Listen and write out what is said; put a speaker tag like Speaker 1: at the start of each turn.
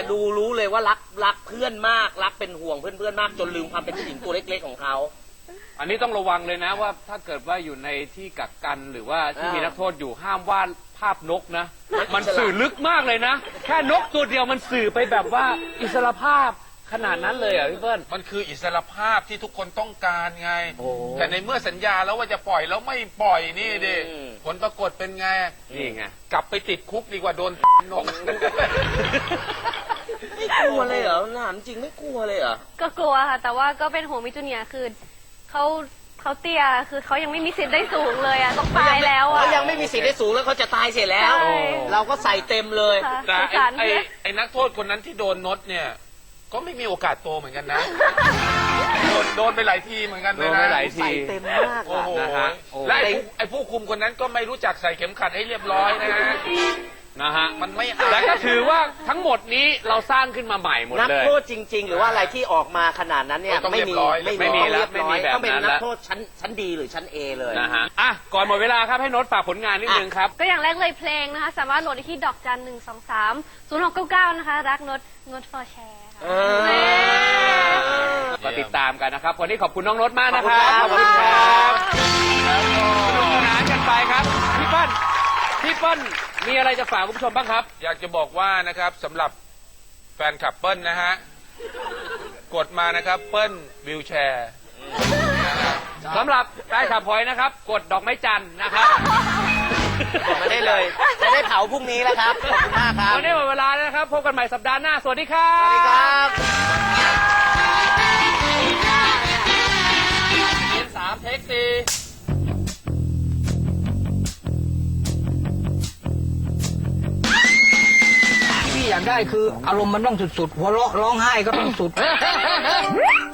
Speaker 1: ดูรู้เลยว่ารักเพื่อนมากรักเป็นห่วงเพื่อนมากจนลืมความเป็นผู้หญิงตัวเล็กๆของเขา
Speaker 2: อันนี้ต้องระวังเลยนะว่าถ้าเกิดว่าอยู่ในที่กักกันหรือว่าที่มีนักโทษอยู่ห้ามวาดภาพนกนะมันสื่อลึกมากเลยนะแค่นกตัวเดียวมันสื่อไปแบบว่าอิสรภาพขนาดนั้นเลยอ่ะพี่เปิ้ล
Speaker 3: มันคืออิสรภาพที่ทุกคนต้องการไงแต่ในเมื่อสัญญาแล้วว่าจะปล่อยแล้วไม่ปล่อยนี่ดิผลปรากฏเป็นไง
Speaker 2: นี่ไง
Speaker 3: กลับไปติดคุกดีกว่าโดนนก
Speaker 1: ไม่กลัวเลยเหรอถามจริงไม่กลัวเลยเหรอ
Speaker 4: ก็กลัวค่ะแต่ว่าก็เป็นห่วงมิจูเนียร์คือเขาเตี้ยคือเขายังไม่มีสิทธิ์ได้สูงเลยอ่ะต้องตายแล้วอ่ะ
Speaker 1: เขายังไม่มีสิทธิ์ได้สูงแล้วเขาจะตายเสียแล้วเราก็ใส่เต็มเลย
Speaker 3: แต่ไอ้นักโทษคนนั้นที่โดนนดเนี่ยก็ไม่มีโอกาสโตเหมือนกันนะโดนไปหลายทีเหมือนกันเลยนะ
Speaker 1: ใส่เต็มมาก
Speaker 3: นะฮะและไอ้ผู้คุมคนนั้นก็ไม่รู้จักใส่เข็มขัดให้เรียบร้อยนะฮะ
Speaker 2: มันไม่แต่ก็ถือว่าทั้งหมดนี้เราสร้างขึ้นมาใหม่หมดเลย
Speaker 1: นักโทษจริงๆหรือว่าอะไรที่ออกมาขนาดนั้นเนี่ยไม่มีแล้วต้องเป็นนักโทษชั้นดีหรือชั้น A เลย
Speaker 2: นะฮะอ่ะก่อนหมดเวลาครับให้โน้ตฝากผลงานนิดนึงครับ
Speaker 4: ก็อย่างแรกเลยเพลงนะคะสามารถโหลดได้ที่ดอกจัน1230699นะคะรักโน้ต for share
Speaker 2: มาติดตามกันนะครับวันนี้ขอบคุณน้องโน้ตมากนะครับขอบคุณครับสนุกสนานกันไปครับพี่เปิ้ลมีอะไรจะฝากคุณผู้ชมบ้างครับ
Speaker 3: อยากจะบอกว่านะครับสำหรับแฟนคลับเปิ้ลนะฮะกดมานะครับเปิ้ลวิวแชร์
Speaker 2: สำหรับแฟนคลับพลอยนะครับกดดอกไม้จันทร์นะครับ
Speaker 1: กดมาได้เลยจะได้เผาพรุ่งนี้แล้วครับขอบคุณมากครับ
Speaker 2: วันนี้หมดเวลาแล้วนะครับพบกันใหม่สัปดาห์หน้าสวัสดีครับ
Speaker 1: สวัสดีครับ
Speaker 2: 3 เทค 4
Speaker 5: อยากได้คืออารมณ์มันต้องสุดๆหัวเราะร้องไห้ก็ต้องสุด